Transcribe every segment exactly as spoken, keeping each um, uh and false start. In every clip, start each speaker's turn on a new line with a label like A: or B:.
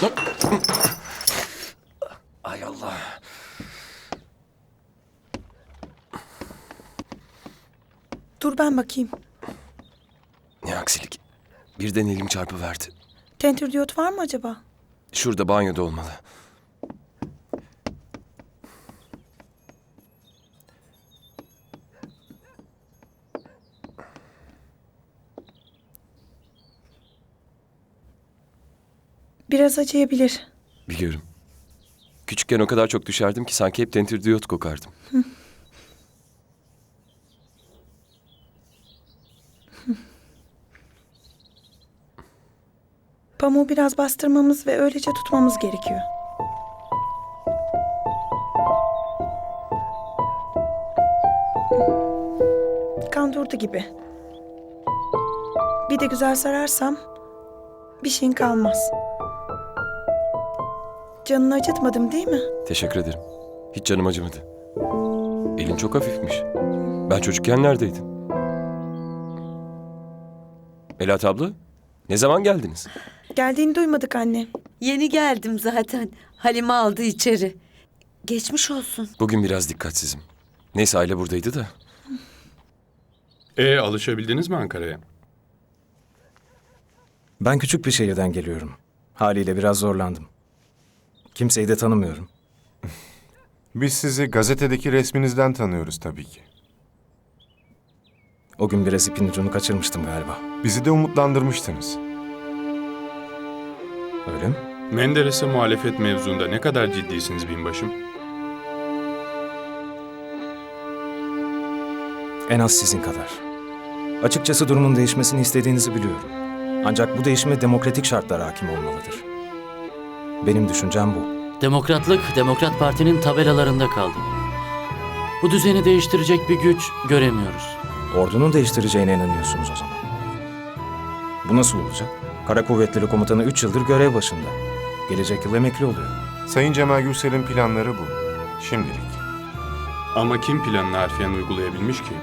A: Ay Allah.
B: Dur ben bakayım.
A: Ne aksilik. Birden elim çarpıverdi.
B: Tentür diyot var mı acaba?
A: Şurada banyoda olmalı.
B: Biraz acıyabilir.
A: Biliyorum. Küçükken o kadar çok düşerdim ki sanki hep tentürdiyot kokardım.
B: Pamuğu biraz bastırmamız ve öylece tutmamız gerekiyor. Kan durdu gibi. Bir de güzel sararsam bir şeyin kalmaz. Canını acıtmadım değil mi?
A: Teşekkür ederim. Hiç canım acımadı. Elin çok hafifmiş. Ben çocukken neredeydin? Melahat abla, ne zaman geldiniz?
B: Geldiğini duymadık anne.
C: Yeni geldim zaten. Halime aldı içeri. Geçmiş olsun.
A: Bugün biraz dikkatsizim. Neyse aile buradaydı da.
D: E alışabildiniz mi Ankara'ya?
E: Ben küçük bir şehirden geliyorum. Haliyle biraz zorlandım. Kimseyi de tanımıyorum.
F: Biz sizi gazetedeki resminizden tanıyoruz tabii ki.
E: O gün biraz ipin ucunu kaçırmıştım galiba.
F: Bizi de umutlandırmıştınız.
E: Öyle mi?
D: Menderes'e muhalefet mevzuunda ne kadar ciddisiniz binbaşım?
E: En az sizin kadar. Açıkçası durumun değişmesini istediğinizi biliyorum. Ancak bu değişime demokratik şartlar hakim olmalıdır. Benim düşüncem bu.
G: Demokratlık, Demokrat Parti'nin tabelalarında kaldı. Bu düzeni değiştirecek bir güç göremiyoruz.
E: Ordunun değiştireceğine inanıyorsunuz o zaman. Bu nasıl olacak? Kara Kuvvetleri Komutanı üç yıldır görev başında. Gelecek yıl emekli oluyor.
F: Sayın Cemal Gürsel'in planları bu. Şimdilik.
D: Ama kim planını harfiyen uygulayabilmiş ki?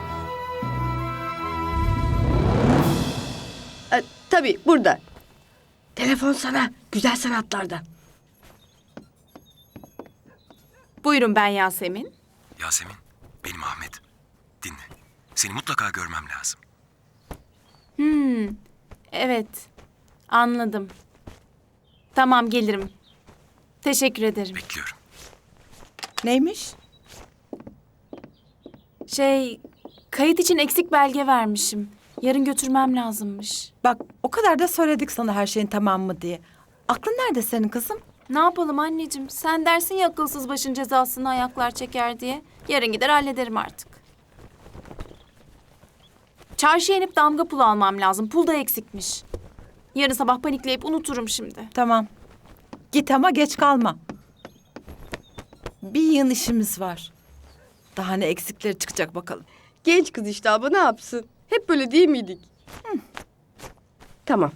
C: E, tabii burada. Telefon sana. Güzel sanatlarda.
H: Buyurun ben Yasemin.
A: Yasemin, benim Ahmet. Dinle. Seni mutlaka görmem lazım.
H: Hmm, evet. Anladım. Tamam gelirim. Teşekkür ederim.
A: Bekliyorum.
B: Neymiş?
H: Şey, kayıt için eksik belge vermişim. Yarın götürmem lazımmış.
I: Bak o kadar da söyledik sana her şeyin tamam mı diye. Aklın nerede senin kızım?
H: Ne yapalım anneciğim? Sen dersin ya akılsız başın cezasını ayaklar çeker diye. Yarın gider hallederim artık. Çarşıya inip damga pulu almam lazım. Pul da eksikmiş. Yarın sabah panikleyip unuturum şimdi.
I: Tamam. Git ama geç kalma. Bir yığın işimiz var. Daha ne eksikleri çıkacak bakalım.
C: Genç kız işte abla ne yapsın? Hep böyle değil miydik? Hı. Tamam.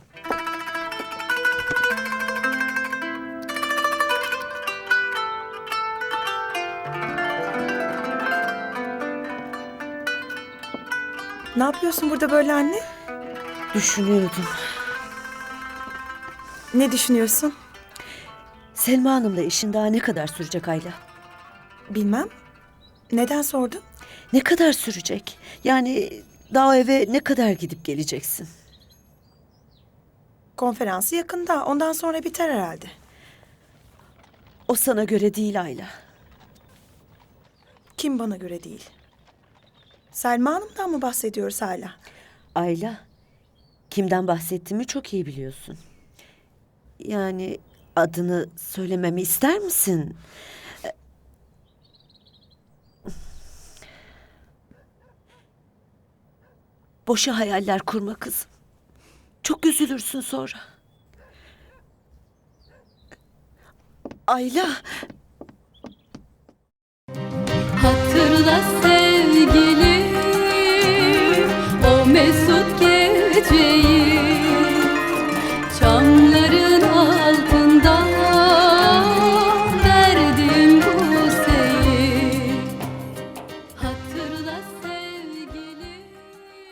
B: Ne yapıyorsun burada böyle anne?
C: Düşünüyordum.
B: Ne düşünüyorsun?
C: Selma Hanım'la işin daha ne kadar sürecek Ayla?
B: Bilmem. Neden sordun?
C: Ne kadar sürecek? Yani daha eve ne kadar gidip geleceksin?
B: Konferansı yakında. Ondan sonra biter herhalde.
C: O sana göre değil Ayla.
B: Kim bana göre değil? Selma Hanım'dan mı bahsediyoruz hala?
C: Ayla, kimden bahsettiğimi çok iyi biliyorsun. Yani adını söylememi ister misin? Boşa hayaller kurma kızım. Çok üzülürsün sonra. Ayla.
J: Hatırla sevgilim.